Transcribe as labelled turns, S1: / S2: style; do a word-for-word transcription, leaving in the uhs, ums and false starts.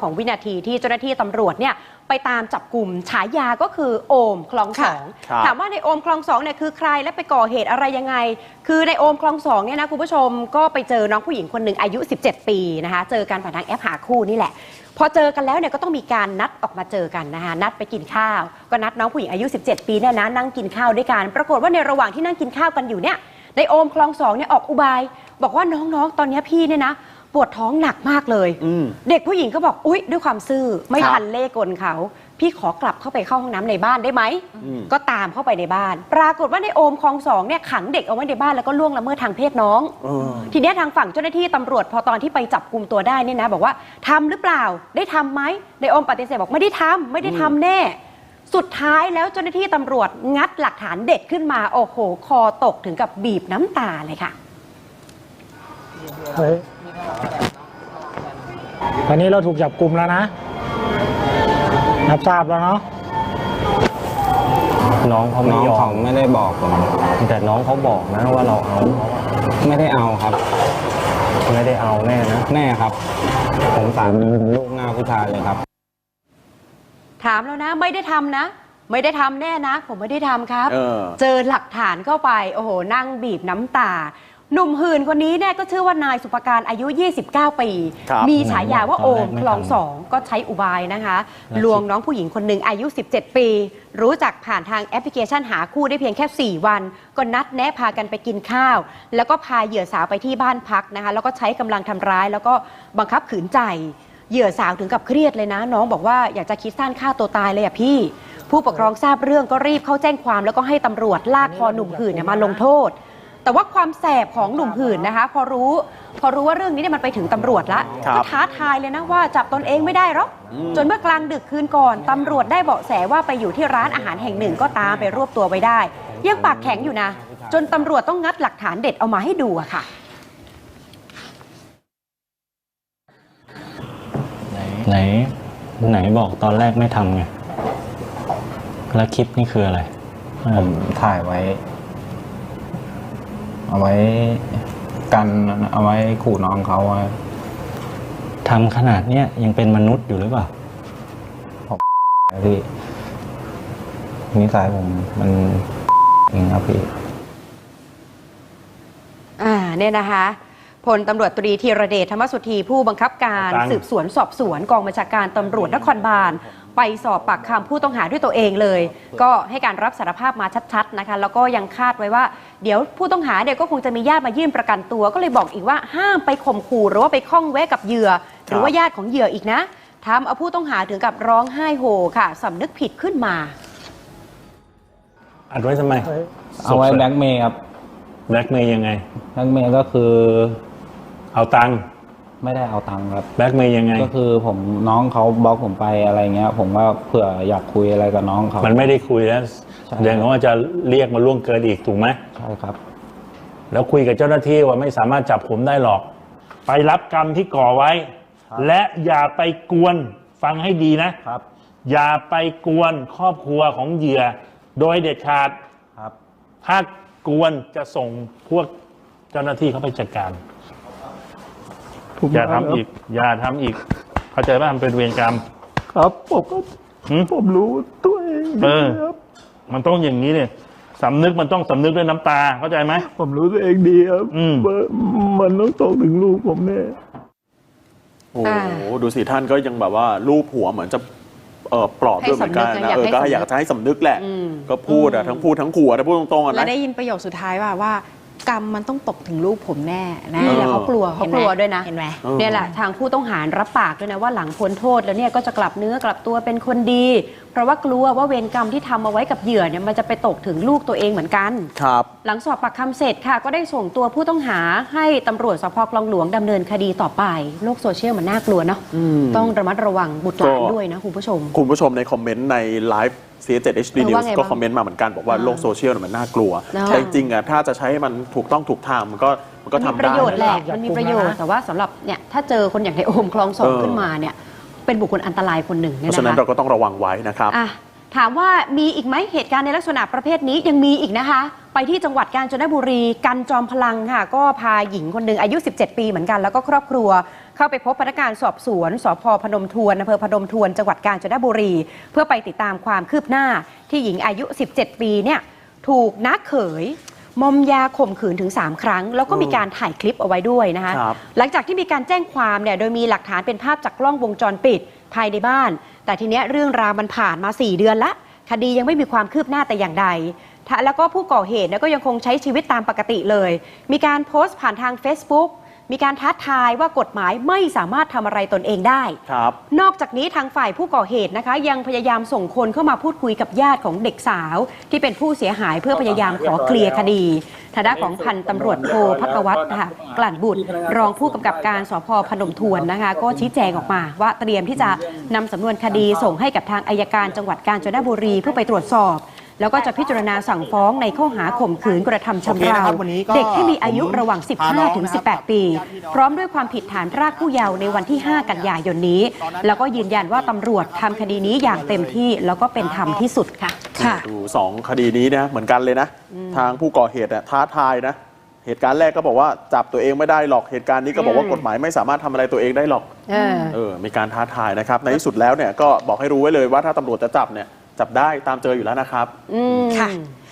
S1: ของวินาทีที่เจ้าหน้าที่ตำรวจเนี่ยไปตามจับกลุ่มฉายาก็คือโอมคลองสองถามว่าในโอมคลองสองเนี่ยคือใครและไปก่อเหตุอะไรยังไงคือในโอมคลองสองเนี่ยนะคุณผู้ชมก็ไปเจอน้องผู้หญิงคนหนึ่งอายุสิบเจ็ดปีนะคะเจอกันผ่านทางแอปหาคู่นี่แหละพอเจอกันแล้วเนี่ยก็ต้องมีการนัดออกมาเจอกันนะคะนัดไปกินข้าวก็นัดน้องผู้หญิงอายุสิบเจ็ดปีเนี่ยนะนั่งกินข้าวด้วยกันปรากฏว่าในระหว่างที่นั่งกินข้าวกันอยู่เนี่ยในโอมคลองสองเนี่ยออกอุบายบอกว่าน้องๆตอนนี้พี่เนี่ยนะปวดท้องหนักมากเลยเด็กผู้หญิงก็บอกอุ๊ยด้วยความซื่อไม่ทันเล่กลเขาพี่ขอกลับเข้าไปเข้าห้องน้ำในบ้านได้ไหมก็ตามเข้าไปในบ้านปรากฏว่าในโอมคลองสองเนี่ยขังเด็กเอาไว้ในบ้านแล้วก็ล่วงละเมิดทางเพศน้องทีนี้ทางฝั่งเจ้าหน้าที่ตำรวจพอตอนที่ไปจับกุมตัวได้เนี่ยนะบอกว่าทำหรือเปล่าได้ทำไหมในโอมปฏิเสธบอกไม่ได้ทำไม่ได้ทำแน่สุดท้ายแล้วเจ้าหน้าที่ตำรวจงัดหลักฐานเด็ดขึ้นมาโอ้โหคอตกถึงกับบีบน้ำตาเลยค่ะ
S2: ตอนนี้เราถูกจับกุมแล้วนะรับทราบแล้วเนาะ
S3: น้องเขาไม่ยอมไม่ได้บอกผมแต่น้องเขาบอกนะว่าเราเอาไม่ได้เอาครับไม่ได้เอาแน่นะแน่ครับผมสามลูกหน้าผู้ชายเลยครับ
S1: ถามแล้วนะไม่ได้ทำนะไม่ได้ทำแน่นะผมไม่ได้ทำครับเออเจอหลักฐานเข้าไปโอ้โหนั่งบีบน้ำตาหนุ่มหื่นคนนี้เนี่ยก็ชื่อว่านายสุภการอายุยี่สิบเก้าปีมีฉายาว่าโอมคลองสองก็ใช้อุบายนะคะลวงน้องผู้หญิงคนหนึ่งอายุสิบเจ็ดปีรู้จักผ่านทางแอปพลิเคชันหาคู่ได้เพียงแค่สี่วันก็นัดแนะพากันไปกินข้าวแล้วก็พาเหยื่อสาวไปที่บ้านพักนะคะแล้วก็ใช้กำลังทำร้ายแล้วก็บังคับขืนใจเหยื่อสาวถึงกับเครียดเลยนะน้องบอกว่าอยากจะคิดสั้นฆ่าตัวตายเลยอ่ะพี่ผู้ปกครองทราบเรื่องก็รีบเข้าแจ้งความแล้วก็ให้ตำรวจลากคอหนุ่มหื่นมาลงโทษแต่ว่าความแสบของหนุ่มหื่นนะคะพอรู้พอรู้ว่าเรื่องนี้เนี่ยมันไปถึงตำรวจแล้วก็ท้าทายเลยนะว่าจับตนเองไม่ได้หรอกจนเมื่อกลางดึกคืนก่อนตำรวจได้เบาะแสว่าไปอยู่ที่ร้านอาหารแห่งหนึ่งก็ตามไปรวบตัวไว้ได้ยังปากแข็งอยู่นะจนตำรวจต้องงัดหลักฐานเด็ดเอามาให้ดูอะค่ะ
S3: ไหนไหนบอกตอนแรกไม่ทำไงแล้วคลิปนี่คืออะไรผมถ่ายไว้เอาไว้กันเอาไว้ขู่น้องเขาทำขนาดเนี้ยยังเป็นมนุษย์อยู่หรือเปล่าผมพี่นิสัยผมมันอย่างนี้ครับพี่
S1: อ่าเนี่ยนะคะพลตำรวจตรีธีรเดชธรรมสุธีผู้บังคับการสืบสวนสอบสวนกองบัญชาการตำรวจนครบาลไปสอบปากคำผู้ต้องหาด้วยตัวเองเลยก็ให้การรับสารภาพมาชัดๆนะคะแล้วก็ยังคาดไว้ว่าเดี๋ยวผู้ต้องหาเนี่ยก็คงจะมีญาติมายื่นประกันตัวก็เลยบอกอีกว่าห้ามไปข่มขู่หรือว่าไปข้องแวะกับเหยื่อหรือว่าญาติของเหยื่ออีกนะทำเอาผู้ต้องหาถึงกับร้องไห้โฮค่ะสำนึกผิดขึ้นมา
S2: อัดไว้ทำไม
S3: เอาไว้แบล็กเมย์ครับ
S2: แบล็กเมย์ยังไง
S3: แบล็กเมย์ก็คือ
S2: เอาตังค์
S3: ไม่ได้เอาตังค์ครับ
S2: แบล็กเมย์ยังไง
S3: ก็คือผมน้องเขาบล็อกผมไปอะไรเงี้ยผมว่าเผื่ออยากคุยอะไรกับน้องเขา
S2: มันไม่ได้คุยแล้วเดี๋ยวเขาจะเรียกมาล่วงเกินอีกถูกไหม
S3: ใช่ครับ
S2: แล้วคุยกับเจ้าหน้าที่ว่าไม่สามารถจับผมได้หรอกไปรับกรรมที่ก่อไว้และอย่าไปกวนฟังให้ดีนะครับอย่าไปกวนครอบครัวของเหยื่อโดยเด็ดขาด
S3: ครับ
S2: ถ้ากวนจะส่งพวกเจ้าหน้าที่เขาไปจัดการอย่าทำอีกอย่าทำอีกเข้าใจว่ามันเป็นเวรกรรม
S4: ครับผมก็ผมรู้ตัวเอง
S2: เออมันต้องอย่างนี้เนี่ยสำนึกมันต้องสำนึกด้วยน้ำตาเข้าใจไหม
S4: ผมรู้ตัวเองดีครับมันต้องตกถึงลูกผมแน่
S5: โอ้โหดูสิท่านก็ยังแบบว่าลูบหัวเหมือนจะเออปลอบด้วยเหมือนกันนะเออก็อยากจะให้สำนึกแหละก็พูดอะทั้งพูดทั้งขู่นะพูดตรงๆอะนะ
S6: แล้วได้ยินประโยคสุดท้ายว่าว่ากรรมมันต้องตกถึงลูกผมแน่นะนี่แหละเขากลัว
S1: เขากลัวด้วยนะ
S6: เห็นไหม
S1: เนี่ยแหละทางผู้ต้องหารับปากด้วยนะว่าหลังพ้นโทษแล้วเนี่ยก็จะกลับเนื้อกลับตัวเป็นคนดีเพราะว่ากลัวว่าเวรกรรมที่ทำเอาไว้กับเหยื่อเนี่ยมันจะไปตกถึงลูกตัวเองเหมือนกัน
S5: ครับ
S1: หลังสอบปากคำเสร็จค่ะก็ได้ส่งตัวผู้ต้องหาให้ตำรวจสพคลองหลวงดำเนินคดีต่อไปโลกโซเชียลมันน่ากลัวเนาะต้องระมัดระวังบุตรหลานด้วยนะคุณผู้ชม
S5: คุณผู้ชมในคอมเมนต์ในไลฟ์ ซี เอส เจ็ด เอช ดี News ก็คอมเมนต์มาเหมือนกันบอกว่าโลกโซเชียลมันน่ากลัวแต่จริงๆอ่ะถ้าจะใช้มันถูกต้องถูกทางมันก็มันก็ทำได้
S1: ประโยชน์แหละมันมีประโยชน์แต่ว่าสำหรับเนี่ยถ้าเจอคนอย่างในโอมคลองสองขึ้นมาเนี่ยเป็นบุคคลอันตรายคนหนึ่ง
S5: เพราะฉะนั้นเราก็ต้องระวังไว้นะครับ
S1: ถามว่ามีอีกไหมเหตุการณ์ในลักษณะประเภทนี้ยังมีอีกนะคะไปที่จังหวัดกาญจนบุรีกันจอมพลังค่ะก็พาหญิงคนหนึ่งอายุสิบเจ็ดปีเหมือนกันแล้วก็ครอบครัวเข้าไปพบพนักงานสอบสวนสพพนมทวนอำเภอพนมทวนจังหวัดกาญจนบุรี เพื่อไปติดตามความคืบหน้าที่หญิงอายุสิบเจ็ดปีเนี่ยถูกน้าเขยมอมยาข่มขืนถึงสามครั้งแล้วก็มีการถ่ายคลิปเอาไว้ด้วยนะคะหลังจากที่มีการแจ้งความเนี่ยโดยมีหลักฐานเป็นภาพจากกล้องวงจรปิดภายในบ้านแต่ทีเนี้ยเรื่องราวมันผ่านมาสี่เดือนละคดียังไม่มีความคืบหน้าแต่อย่างใดแล้วก็ผู้ก่อเหตุก็ยังคงใช้ชีวิตตามปกติเลยมีการโพสต์ผ่านทาง Facebook มีการท้าทายว่ากฎหมายไม่สามารถทำอะไรตนเองได้
S5: ครับ
S1: นอกจากนี้ทางฝ่ายผู้ก่อเหตุนะคะยังพยายามส่งคนเข้ามาพูดคุยกับญาติของเด็กสาวที่เป็นผู้เสียหายเพื่อพยายามขอเคลียร์คดีทางด้านของพันตำรวจโทภักวัฒน์นะคะกลั่นบุตรรองผู้กำกับการสพพนมทวนนะคะก็ชี้แจงออกมาว่าเตรียมที่จะนำสำนวนคดีส่งให้กับทางอัยการจังหวัดกาญจนบุรีเพื่อไปตรวจสอบแล้วก็จะพิจารณาสั่งฟ้องในข้อหาข่มขืนกระทำชำเราเด็กที่มีอายุระหว่าง สิบห้าถึงสิบแปด ปีพร้อมด้วยความผิดฐานพรากผู้เยาว์ในวันที่ ห้า กันยายนนี้แล้วก็ยืนยันว่าตำรวจทำคดีนี้อย่างเต็มที่แล้วก็เป็นธรรมที่สุดค่ะ
S5: ค่ะดูสองคดีนี้นะเหมือนกันเลยนะทางผู้ก่อเหตุท้าทายนะเหตุการณ์แรกก็บอกว่าจับตัวเองไม่ได้หรอกเหตุการณ์นี้ก็บอกว่ากฎหมายไม่สามารถทำอะไรตัวเองได้หรอกเออเออมีการท้าทายนะครับในที่สุดแล้วเนี่ยก็บอกให้รู้ไว้เลยว่าถ้าตำรวจจะจับเนี่ยจับได้ตามเจออยู่แล้วนะครับ
S1: อืมค่ะ